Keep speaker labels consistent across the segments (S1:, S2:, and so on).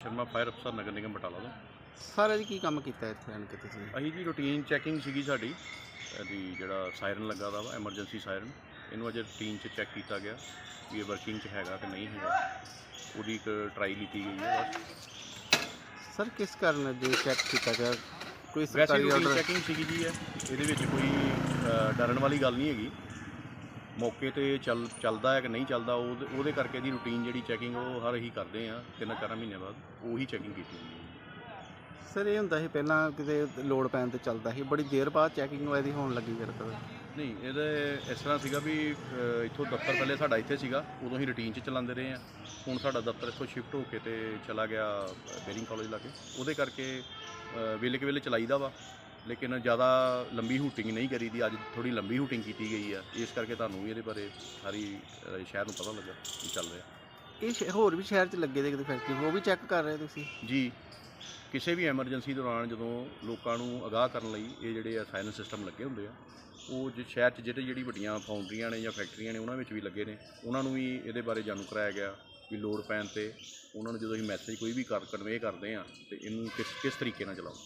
S1: Sharma fire ਅਫਸਰ ਨਗਰ ਨਿਗਮ ਬਟਾਲਾ ਤੋਂ।
S2: ਸਾਰਾ ਜੀ ਕੀ ਕੰਮ ਕੀਤਾ ਇੱਥੇ ਆਣ ਕੇ ਤੁਸੀਂ?
S1: ਅਸੀਂ ਜੀ ਰੂਟੀਨ ਚੈਕਿੰਗ ਸੀਗੀ ਸਾਡੀ ਇਹਦੀ ਜਿਹੜਾ ਸਾਇਰਨ ਲੱਗਾ ਦਾ ਵਾ ਐਮਰਜੈਂਸੀ ਸਾਇਰਨ, ਇਹਨੂੰ ਅਜੇ ਰੂਟੀਨ 'ਚ ਚੈੱਕ ਕੀਤਾ ਗਿਆ ਵੀ ਇਹ ਵਰਕਿੰਗ 'ਚ ਹੈਗਾ ਕਿ ਨਹੀਂ ਹੈਗਾ, ਉਹਦੀ ਇੱਕ ਟਰਾਈ ਲਿੱਤੀ ਗਈ ਹੈ ਬਸ।
S2: ਸਰ ਕਿਸ ਕਾਰਨ ਜੇ ਚੈੱਕ ਕੀਤਾ ਗਿਆ? ਕੋਈ
S1: ਵੈਸੇ
S2: ਸਰਕਾਰੀ
S1: ਰੂਟੀਨ
S2: ਆਰਡਰ?
S1: ਚੈਕਿੰਗ ਸੀਗੀ ਜੀ ਇਹਦੇ ਵਿੱਚ ਕੋਈ ਡਰਨ ਵਾਲੀ ਗੱਲ ਨਹੀਂ ਹੈਗੀ। ਮੌਕੇ 'ਤੇ ਚੱਲਦਾ ਹੈ ਕਿ ਨਹੀਂ ਚੱਲਦਾ ਉਹਦੇ ਕਰਕੇ ਦੀ ਰੂਟੀਨ ਜਿਹੜੀ ਚੈਕਿੰਗ ਉਹ ਹਰ ਹੀ ਕਰਦੇ ਆ 3-4 ਮਹੀਨੇ ਬਾਅਦ ਉਹੀ ਚੈਕਿੰਗ ਕੀਤੀ ਜਾਂਦੀ ਹੈ।
S2: ਸਰ ਇਹ ਹੁੰਦਾ ਸੀ ਪਹਿਲਾਂ ਕਿਤੇ ਲੋਡ ਪੈਣ ਤੇ ਚੱਲਦਾ ਸੀ, ਬੜੀ ਦੇਰ ਬਾਅਦ ਚੈਕਿੰਗ ਇਹਦੀ ਹੋਣ ਲੱਗੀ ਫਿਰ ਕਦੇ?
S1: ਨਹੀਂ, ਇਹਦੇ ਇਸ ਤਰ੍ਹਾਂ ਸੀਗਾ ਵੀ ਇੱਥੋਂ ਦਫ਼ਤਰ ਪਹਿਲੇ ਸਾਡਾ ਇੱਥੇ ਸੀਗਾ, ਉਦੋਂ ਹੀ ਰੂਟੀਨ 'ਚ ਚਲਾਉਂਦੇ ਰਹੇ ਹਾਂ। ਹੁਣ ਸਾਡਾ ਦਫ਼ਤਰ ਇੱਥੋਂ ਸ਼ਿਫਟ ਹੋ ਕੇ ਤੇ ਚਲਾ ਗਿਆ ਬੇਰਿੰਗ ਕਾਲਜ ਲਾਗੇ, ਉਹਦੇ ਕਰਕੇ ਵੇਲੇ ਕੁ ਵੇਲੇ ਚਲਾਈਦਾ ਵਾ, ਲੇਕਿਨ ਜ਼ਿਆਦਾ ਲੰਬੀ ਹੂਟਿੰਗ ਨਹੀਂ ਕਰੀਦੀ। ਅੱਜ ਥੋੜ੍ਹੀ ਲੰਬੀ ਹੂਟਿੰਗ ਕੀਤੀ ਗਈ ਆ, ਇਸ ਕਰਕੇ ਤੁਹਾਨੂੰ ਵੀ ਇਹਦੇ ਬਾਰੇ ਸਾਰੀ ਸ਼ਹਿਰ ਨੂੰ ਪਤਾ ਲੱਗਾ ਕੀ ਚੱਲ ਰਿਹਾ।
S2: ਇਹ ਹੋਰ ਵੀ ਸ਼ਹਿਰ 'ਚ ਲੱਗੇ ਦੇ ਕਿਤੇ ਫੈਕਟਰੀ, ਉਹ ਵੀ ਚੈੱਕ ਕਰ ਰਹੇ ਤੁਸੀਂ?
S1: ਜੀ, ਕਿਸੇ ਵੀ ਐਮਰਜੈਂਸੀ ਦੌਰਾਨ ਜਦੋਂ ਲੋਕਾਂ ਨੂੰ ਅਗਾਹ ਕਰਨ ਲਈ ਇਹ ਜਿਹੜੇ ਆ ਸਾਇਰਨ ਸਿਸਟਮ ਲੱਗੇ ਹੁੰਦੇ ਆ, ਉਹ ਜੇ ਸ਼ਹਿਰ 'ਚ ਜਿਹੜੀ ਵੱਡੀਆਂ ਫਾਊਂਡਰੀਆਂ ਨੇ ਜਾਂ ਫੈਕਟਰੀਆਂ ਨੇ ਉਹਨਾਂ ਵਿੱਚ ਵੀ ਲੱਗੇ ਨੇ, ਉਹਨਾਂ ਨੂੰ ਵੀ ਇਹਦੇ ਬਾਰੇ ਜਾਣੂ ਕਰਾਇਆ ਗਿਆ ਵੀ ਲੋੜ ਪੈਣ 'ਤੇ ਉਹਨਾਂ ਨੂੰ ਜਦੋਂ ਅਸੀਂ ਮੈਸੇਜ ਕੋਈ ਵੀ ਕਨਵੇ ਕਰਦੇ ਹਾਂ ਤੇ ਇਹਨੂੰ ਕਿਸ ਤਰੀਕੇ ਨਾਲ ਚਲਾਓ।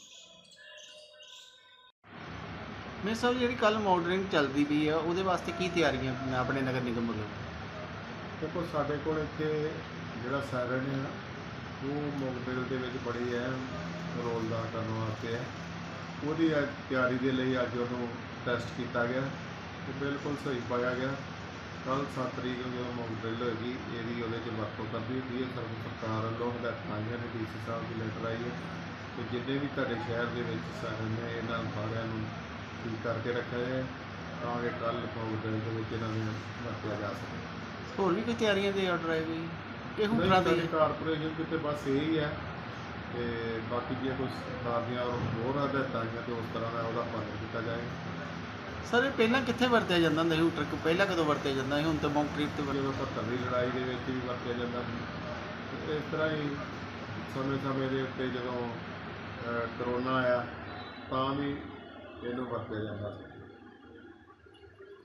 S2: ਮੇਰੇ ਸਾਹਿਬ ਜਿਹੜੀ ਕੱਲ ਮਾਡਲਿੰਗ ਚੱਲਦੀ ਪਈ ਆ ਉਹਦੇ ਵਾਸਤੇ ਕੀ ਤਿਆਰੀਆਂ ਆਪਣੇ ਨਗਰ ਨਿਗਮ ਵੱਲੋਂ?
S3: ਦੇਖੋ, ਸਾਡੇ ਕੋਲ ਇੱਥੇ ਜਿਹੜਾ ਸਾਇਰਨ ਹੈ ਉਹ ਮੋਕਡਰਿਲ ਦੇ ਵਿੱਚ ਬੜੀ ਅਹਿਮ ਰੋਲ ਅਦਾ ਕਰਨ ਵਾਸਤੇ ਹੈ। ਉਹਦੀ ਤਿਆਰੀ ਦੇ ਲਈ ਅੱਜ ਉਹਨੂੰ ਟੈਸਟ ਕੀਤਾ ਗਿਆ ਤੇ ਬਿਲਕੁਲ ਸਹੀ ਪਾਇਆ ਗਿਆ। ਕੱਲ੍ਹ 7 ਤਰੀਕ ਨੂੰ ਜਦੋਂ ਮੋਕਡਰਿਲ ਹੋਏਗੀ ਇਹਦੀ ਉਹਦੇ 'ਚ ਵਰਤੋਂ ਕਰਨੀ ਹੁੰਦੀ ਹੈ। ਸਰਕਾਰ ਵੱਲੋਂ ਹਦਾਇਤਾਂ ਆਈਆਂ ਨੇ, ਡੀਸੀ ਸਾਹਿਬ ਦੀ ਲੈਟਰ ਆਈ ਹੈ ਕਿ ਜਿੰਨੇ ਵੀ ਤੁਹਾਡੇ ਸ਼ਹਿਰ ਦੇ ਵਿੱਚ ਸਾਇਰਨ ਨੇ ਇਹਨਾਂ ਸਾਰਿਆਂ ਨੂੰ ਠੀਕ ਕਰਕੇ ਰੱਖਿਆ ਜਾਏ ਤਾਂ ਕਿ ਕੱਲ੍ਹ ਮੋਕਡਰਿਲ ਦੇ ਵਿੱਚ ਇਹਨਾਂ ਨੂੰ ਵਰਤਿਆ ਜਾ ਸਕੇ।
S2: ਹੋਰ ਵੀ ਕੋਈ ਤਿਆਰੀਆਂ ਦੇ ਆਰਡਰ ਆਏ ਕੋਈ ਇਹ ਹੁਕਮਾਂ ਦੇ?
S3: ਕਾਰਪੋਰੇਸ਼ਨ ਕਿਤੇ ਬਸ ਇਹੀ ਹੈ ਤੇ ਬਾਕੀ ਜੇ ਕੋਈ ਸਰਕਾਰ ਦੀਆਂ ਹੋਰ ਹਦਾਇਤਾਂ ਆਈਆਂ ਤੇ ਉਸ ਤਰ੍ਹਾਂ ਦਾ ਉਹਦਾ ਪਾਲਣ ਕੀਤਾ ਜਾਏ।
S2: ਸਰ ਇਹ ਪਹਿਲਾਂ ਕਿੱਥੇ ਵਰਤਿਆ ਜਾਂਦਾ ਹੁੰਦਾ ਸੀ ਹੂਟਰ? ਪਹਿਲਾਂ ਕਦੋਂ ਵਰਤਿਆ ਜਾਂਦਾ ਸੀ? ਹੁਣ ਤਾਂ ਮੌਕਟ੍ਰਿਪ ਤੇ
S3: ਜਦੋਂ 70 ਦੀ ਲੜਾਈ ਦੇ ਵਿੱਚ ਵੀ ਵਰਤਿਆ ਜਾਂਦਾ ਸੀ ਤੇ ਇਸ ਤਰ੍ਹਾਂ ਹੀ ਸਮੇਂ ਦੇ ਉੱਤੇ ਜਦੋਂ ਕਰੋਨਾ ਆਇਆ ਤਾਂ ਵੀ ਇਹਨੂੰ ਵਰਤਿਆ ਜਾਂਦਾ ਸੀ।